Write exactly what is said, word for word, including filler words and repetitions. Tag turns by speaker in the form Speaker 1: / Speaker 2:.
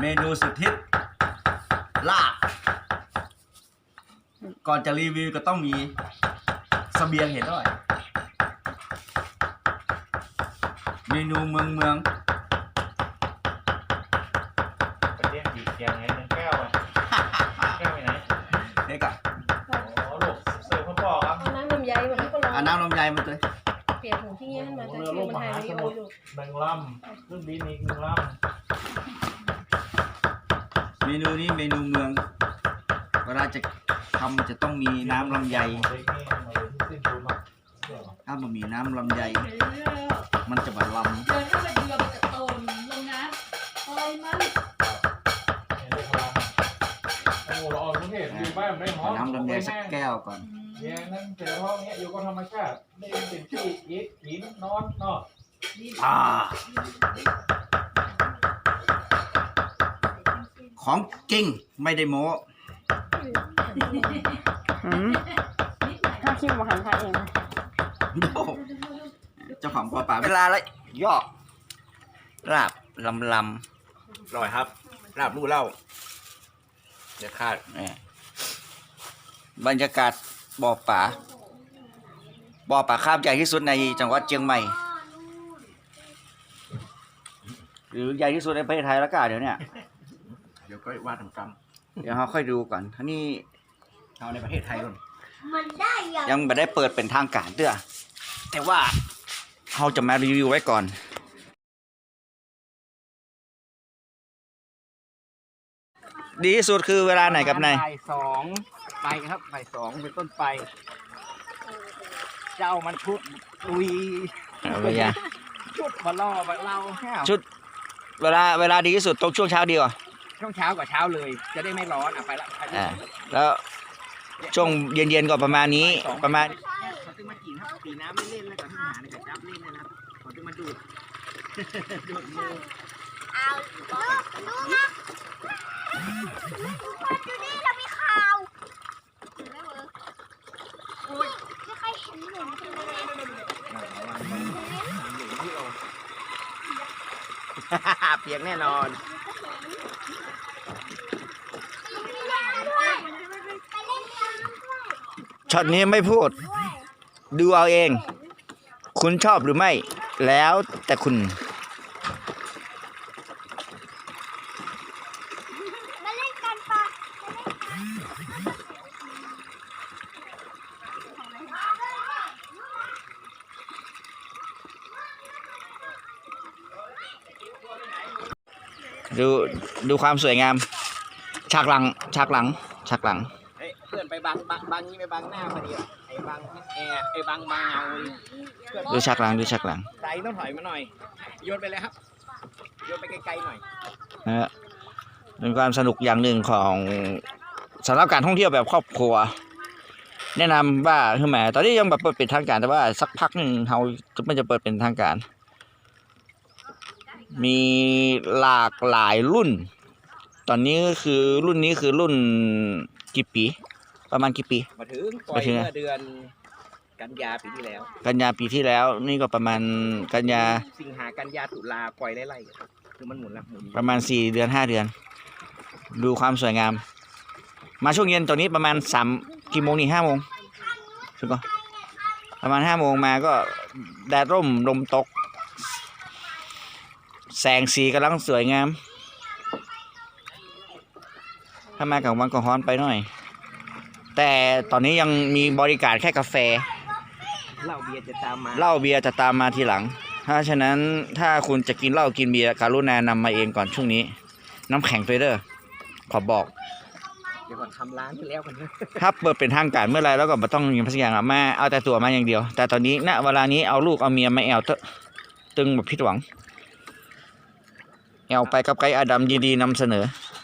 Speaker 1: เมนูสุดฮิตลาบก่อนจะรีวิวก็ต้องมีเสบียงเห็นด้วยเมนูเมืองเมือง
Speaker 2: ไปเรียกดีเกียงไงแก้วอ่ะแก้วไปไหน
Speaker 1: เด็กอะ
Speaker 2: อ๋อลูกเสิร์ฟข้าวปอกครับ
Speaker 3: เอาน้ำลำไยมาที่ก็ลอง
Speaker 1: อ่าน้ำลำไยมาเลย
Speaker 3: เปลี่ยนของที่เงี้ยมาจากที่มันไทยไม่เอาอยู่
Speaker 2: แบงลำขึ้นบินอีกหนึ่งล
Speaker 1: เมนูนี้เมนูเมืองเวลาจะทำจะต้องมีน้ำลำไยถ้ามันมีน้ำลำไยมันจะแบบลำ
Speaker 4: เดินเข้าไปเรือไปกับโตนลงน้ำปล่อยมัน
Speaker 2: โอ้เราเอาทุกเหตุอยู่บ้านไม่หอม
Speaker 1: น้ำลำไยสักแก้วก่อน
Speaker 2: เนี่ยนั่นเจอห้องเนี้ยอยู่กับธรรมชาติไม่เป็นที่ยิดหินนอนนอก
Speaker 1: อ่าของจริงไม่ได้โม้
Speaker 3: ถ้าคิดว่าหันไทยเอง
Speaker 1: เจ้าของปลาป่าเวลาแล้วย่อลาบลำลำอร่อยครับลาบลู่เล่าเดี๋ยวคาดเนี่ยบรรยากาศบ่อป่าบ่อป่าคาบใหญ่ที่สุดในจังหวัดเชียงใหม่หรือใหญ่ที่สุดในประเทศไทยแล้วก็เดี๋ยวเนี้ยเดี๋ยวก็ว่าถึงกรรมเดี๋ยวเราค่อยดูก่อนท่านี่เอาในประเทศไทยก่อนยังไม่ได้เปิดเป็นทางการเด้อแต่ว่าเราจะมารีวิวไว้ก่อนดีที่สุดคือเวลาไหนกับไหนบ่ายสองไปครับบ่ายสองเป็นต้นไปเจ้ามันชุดลุยชุดมาล่อมาเล่าชุดเวลาเวลาดีที่สุดตรงช่วงเช้าดีกว่าช่วงเช้ากว่าเช้าเลยจะได้ไม่ร้อนอ่ะไปละอ่าแล้วช่วงเย็นๆก็ประมาณนี้ประมาณเขาตึงมากินครับตีน้ำไม่เล่นแล้วก็ที่หาในกระจับเล่นนะครับเขาตึงมาดูดดูดมือ
Speaker 5: เอาดูนะดูนี่เรามีข่าวไม่ใครเห็นหนู
Speaker 1: เปียกแน่นอนช็อตนี้ไม่พูดดูเอาเองคุณชอบหรือไม่แล้วแต่คุณ
Speaker 5: มาเล่นกันปะ
Speaker 1: ดูดูความสวยงามฉากหลังฉากหลังฉากหลังเพื่อนไปบังบังบังนี้ไปบังหน้าพอดีไอ้บังแอร์ไอ้บังบางเอาดูฉากหลังดูฉากหลังใส่ต้องถอยมาหน่อยโยนไปเลยครับโยนไปไกลๆหน่อยนะฮะเป็นความสนุกอย่างหนึ่งของสำหรับการท่องเที่ยวแบบครอบครัวแนะนำว่าคือแหมตอนนี้ยังแบบเปิดเป็นทางการแต่ว่าสักพักหนึ่งเขามันจะเปิดเป็นทางการมีหลากหลายรุ่นตอนนี้ก็คือรุ่นนี้คือรุ่นกี่ปีประมาณกี่ปีมาถึงปล่อยเมื่อเดือนกันยาปีที่แล้วกันยาปีที่แล้วนี่ก็ประมาณกันยาสิงหากันยาตุลาปล่อยไล่ๆคือมันหมุนละหมุนประมาณสี่เดือนห้าเดือนดูความสวยงามมาช่วงเย็นตอนนี้ประมาณสามกี่โมงนี่ห้าโมงถูกปะประมาณห้าโมงมาก็แดดร่มลมตกแสงสีกำลังสวยงามถ้ามากับวันก็ฮ้อนไปหน่อยแต่ตอนนี้ยังมีบริการแค่กาแฟเหล้าเบียร์จะตามมาเหล้าเบียร์จะตามมาทีหลังถ้าฉะนั้นถ้าคุณจะกินเหล้ากินเบียร์การุณานำมาเองก่อนช่วงนี้น้ำแข็งเฟเดอร์ขอบอกเดี๋ยวก่อนทำร้านไปแล้วกันถ้าเปิดเป็นทางการเมื่อไรแล้วก็ไม่ต้องยิงพัสยางมาเอาแต่ตัวมาอย่างเดียวแต่ตอนนี้ณเวลานี้เอาลูกเอาเมียมาแอวตึงแบบผิดหวังแอวไปกับไกด์อดัมยินดีนำเสนอ